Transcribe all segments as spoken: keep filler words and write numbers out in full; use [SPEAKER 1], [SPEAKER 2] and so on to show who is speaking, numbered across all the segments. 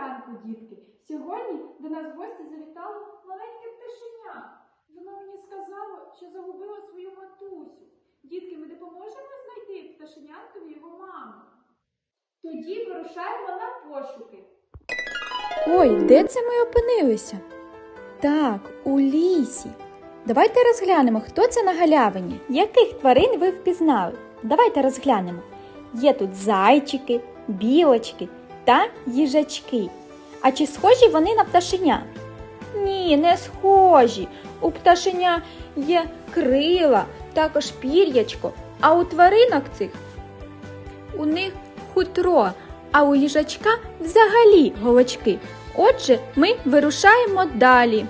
[SPEAKER 1] ранку, дітки! Сьогодні до нас в гості завітало маленьке пташеня. Воно мені сказало, що загубило свою матусю. Дітки, ми допоможемо знайти пташеняткові його маму. Тоді вирушаємо на пошуки.
[SPEAKER 2] Ой, де це ми опинилися? Так, у лісі. Давайте розглянемо, хто це на галявині. Яких тварин ви впізнали? Давайте розглянемо. Є тут зайчики, білочки та їжачки. А чи схожі вони на пташеня? Ні, не схожі. У пташеня є крила, також пір'ячко, а у тваринок цих у них хутро, а у їжачка взагалі голочки. Отже, ми вирушаємо далі.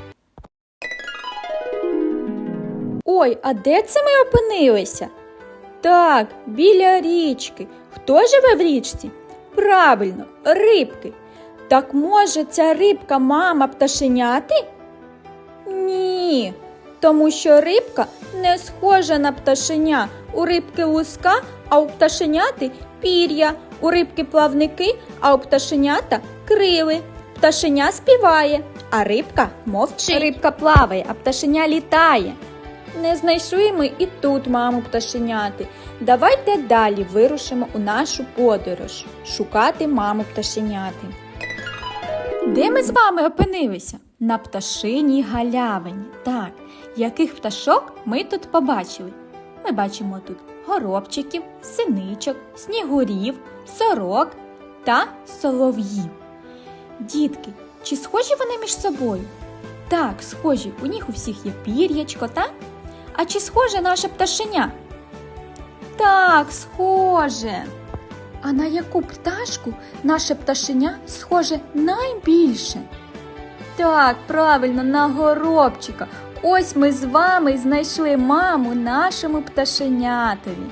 [SPEAKER 2] Ой, а де це ми опинилися? Так, біля річки. Хто живе в річці? Правильно, рибки. Так може ця рибка мама пташеняти? Ні, тому що рибка не схожа на пташеня. У рибки луска, а у пташеняти пір'я. У рибки плавники, а у пташенята крили. Пташеня співає, а рибка мовчить. Рибка плаває, а пташеня літає. Не знайшли ми і тут маму пташеняти. Давайте далі вирушимо у нашу подорож шукати маму пташеняти. Де ми з вами опинилися? На пташиній галявині. Так, яких пташок ми тут побачили? Ми бачимо тут горобчиків, синичок, снігурів, сорок та солов'їв. Дітки, чи схожі вони між собою? Так, схожі. У них у всіх є пір'ячко, так? А чи схоже наше пташеня? Так, схоже. А на яку пташку наше пташеня схоже найбільше? Так, правильно, на горобчика. Ось ми з вами знайшли маму нашому пташенятові.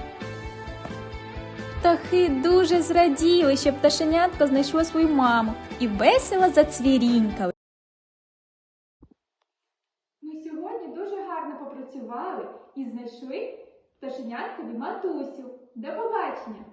[SPEAKER 2] Птахи дуже зраділи, що пташенятко знайшло свою маму і весело зацвірінькали.
[SPEAKER 1] Ми сьогодні дуже гарно попрацювали і знайшли пташеняткові матусю. До побачення!